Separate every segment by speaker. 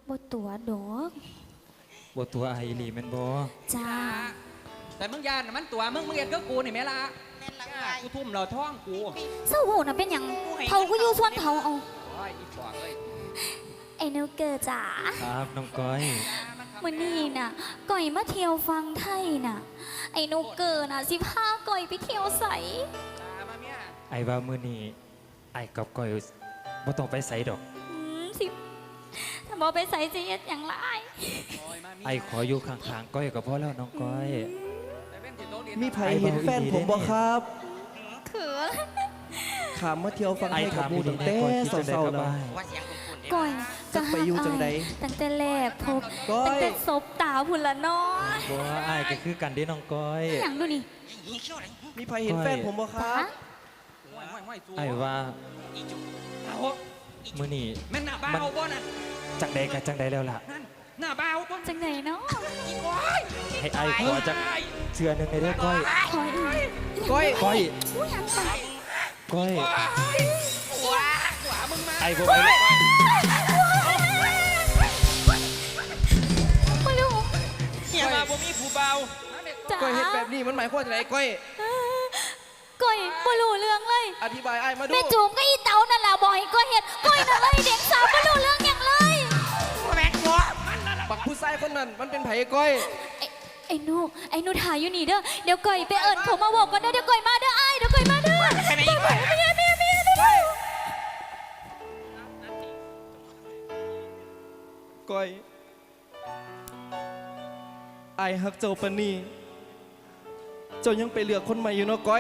Speaker 1: บ่ตัวดอก
Speaker 2: บ่ตัวไอหลีแม่นบ่
Speaker 1: จ้า
Speaker 3: แต่มึงยานน่ะมันตัวมึงเอ็ดก็กูนี่แม่ละกูทุ่มเราท้องกู
Speaker 1: เศร้าโหน่ะเป็นหยังเฒ่าก็อยู่ส่วนเฒ่าเอา
Speaker 3: โอ้ยอีปอกเลย
Speaker 1: ไอ้นิวเกอร์จ๋า
Speaker 2: ครับน้องก้อย
Speaker 1: มื้อนี้น่ะก่อยมาเที่ยวฟังไทยน่ะไอ้นิวเกอร์น่ะสิพาก่อยไปเที่ยวไส
Speaker 3: มาเมีย
Speaker 2: ไอว่ามื้อนี้ไอกับก้อยบ่ต้องไปไสดอก
Speaker 1: สิถ้าบ่ไปไสสิเฮ็ดหยังล่ะอ้าย
Speaker 3: โอ้ยมาเมีย
Speaker 2: ไอขออยู่ข้างๆก้อยก็พอแล้วน้องก้อย
Speaker 4: มีไผเห็นแฟนผมบ่ครับ
Speaker 1: เขิน
Speaker 4: ขามมาเที่ยวฟัง
Speaker 2: ไอ
Speaker 4: ให้กับ
Speaker 2: ถาม
Speaker 4: หมู
Speaker 2: ดี
Speaker 4: ตั้ง
Speaker 2: ๆ
Speaker 4: แต่
Speaker 2: ก้อยคิดจังได๋
Speaker 4: เศร้า
Speaker 2: ก็
Speaker 4: ๆแล้ว
Speaker 2: ได้
Speaker 1: ก่อย
Speaker 4: จะไปอยู่จังใด
Speaker 1: ตั้งแต่แรกพบ
Speaker 4: ก้อย
Speaker 1: ตั้งแต่ศพตาพุ่นละเนาะ
Speaker 2: บ่ไอก็คือกันเด้น้องก้อย
Speaker 1: หยังดูนี่
Speaker 4: มีไผเห็นแฟนผมบ่ค
Speaker 1: จ๋า
Speaker 4: รับ
Speaker 2: ไอว่ามื้อนี้
Speaker 3: แม่นหน้าบ้าบ่น่ะ
Speaker 2: จังใดก็จังใดแล้วล่ะ
Speaker 3: นั่นหน้าบ้าต้น
Speaker 1: จังไหนเนาะ
Speaker 2: ให้ไอขอจักเทื่อหนึงได้เด้อก้อย
Speaker 1: ขออีก
Speaker 4: ก้อย
Speaker 2: ก้อย
Speaker 1: ผู้หยังไป
Speaker 2: ก้อย
Speaker 3: ขวามึงมา
Speaker 2: ไอบ่ไป
Speaker 1: ไม่รู้
Speaker 3: เฮียมาบ่มีผู้เบา
Speaker 1: จ๋า
Speaker 4: ก้อยเห็นแบบนี้มันหมายความว่าไงก้อย
Speaker 1: ก้อยไม่รู้เรื่องเลย
Speaker 4: อธิบายไอ้ายมาดู
Speaker 1: แม่จูมก็อีเต๋านั่นแหละบอกให้ก้อยเห็นก้อยน่ะเลยเด็กสาวไม่รู้เรื่องอย่างเลย
Speaker 4: ปักผู้ชายคนนั้นมันเป็นไผก้อย
Speaker 1: ไอ้หนูถ่ายอยู่นี่เด้อเดี๋ยวก้อยไปเอิญเขามาบอกกันเด้อเดี๋ยวก้อยมาเด้อไอ้ายเดี๋ยวก้อยมาเด้อเมียเด้อ
Speaker 4: ก้อยไอ้ายฮักเจ้าปานนีเจ้ายังไปเลือกคนใหม่อยู่เนาะก้อย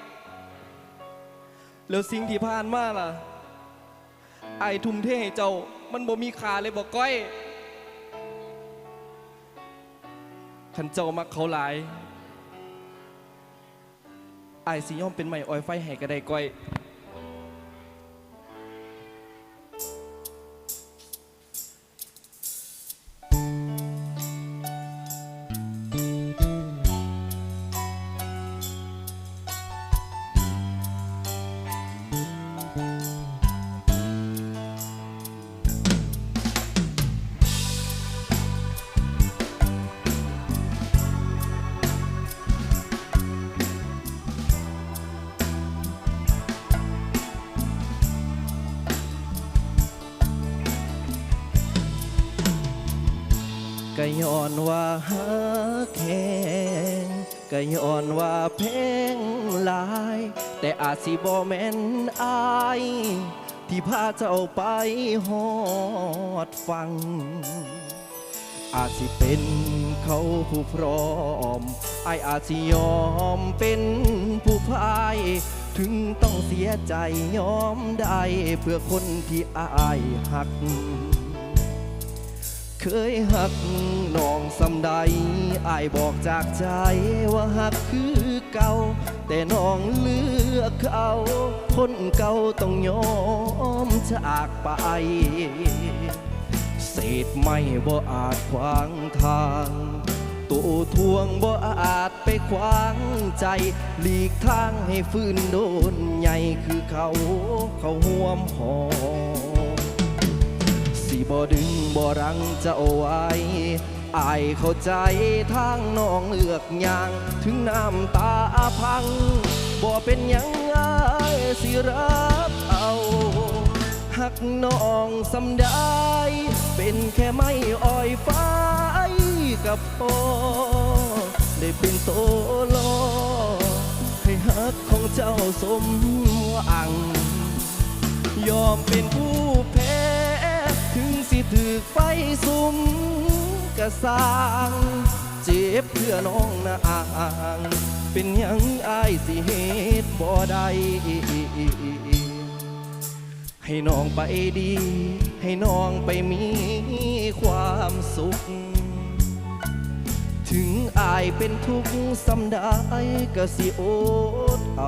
Speaker 4: แล้วสิ่งที่ผ่านมาล่ะไอ้ายทุ่มเทให้เจ้ามันบ่มีค่าเลยบอกก้อยขันเจ้ามักเขาหลายไอ้ายสิยอมเป็นใหม่ออยไฟให้ก็ได้ก้อยก็ย้อนว่าฮักแหงก็ย้อนว่าเพลงหลาย แต่อาจสิบ่แม่นอาย ที่พาเจ้าไปฮอดฟัง อาจสิเป็นเขาผู้พร้อมอายอาจสิยอมเป็นผู้พาย ถึงต้องเสียใจยอมได้เพื่อคนที่อายหัก เคยหักน้องสำใดอายบอกจากใจว่าหักคือเก่า แต่น้องเลือกเขาคนเก่าต้องยอมจากไป เศษไม่บ่อาจขวางทางตัวทวงบ่อาจไปขวางใจหลีกทางให้ฟื้นโดนใหญ่คือเขาห่วมหอสิบ่ดึงบ่รั้งเจ้าไว้อายเข้าใจทางน้องเลือกอย่างถึงน้ำตาพังบ่เป็นหยังอายสิรับเอาหักน้องสำได้เป็นแค่ไม่อ่อยฟ้ากับพ่อได้เป็นโตลอให้หักของเจ้าสมหวังยอมเป็นผู้แพ้ถึงสิถึกไฟสุมกะสร้างเจ็บเพื่อน้องนะอ่างเป็นหยังอายสิเหตุบ่ได้ให้น้องไปดีให้น้องไปมีความสุขถึงอายเป็นทุกข์สำได้ก็สิอดเอา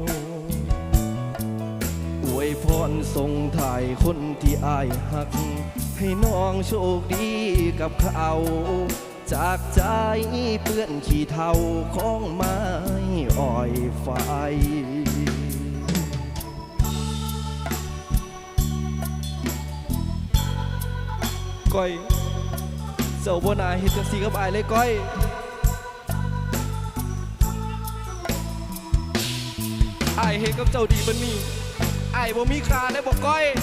Speaker 4: อวยพรส่งถ่ายคนที่อายหักให้น้องโชคดีกับเขาจากใจเปื้อนขี้เถ้าของไม้อ้อยไฟก้อยเจ้าบ่น่าเฮ็ดจังซี่กับอายเลยก้อยอายเฮ็ดกับเจ้าดีบัดนี้อายบ่มีค่าได้บ่ก้อย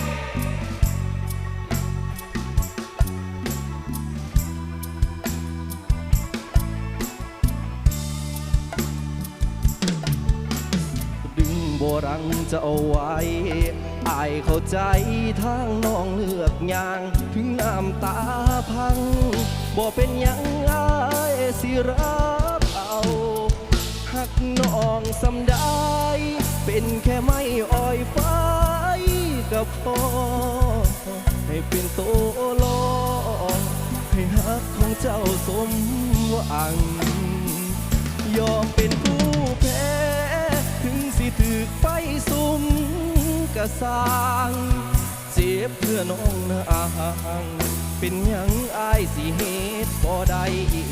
Speaker 4: ดึงบ่รังจะเอาไว้อายเข้าใจทางน้องเลือกอย่างถึงน้ำตาพังบ่เป็นหยังอายสิรับเอาหักน้องสำได้เป็นแค่ไม่อ่อยไฟกับพ่อให้เป็นโตลองให้หักของเจ้าสมหวังยอมเป็นผู้แพ้ถึงสิถึกไฟสุมกะสร้างเจ็บเพื่อน้องนะอางเป็นหยังอายสิเหตุบ่ได้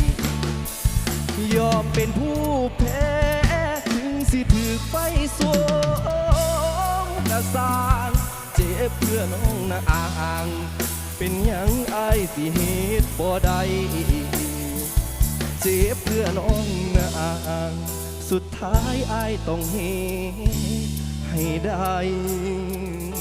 Speaker 4: ยอมเป็นผู้แพ้ถึงสิถึกไฟสุมกะสร้างเจ็บเพื่อน้องนะอางเป็นหยังอายสิเหตุบ่ได้เจ็บเพื่อน้องนะอางสุดท้ายอายต้องเหตุให้ได้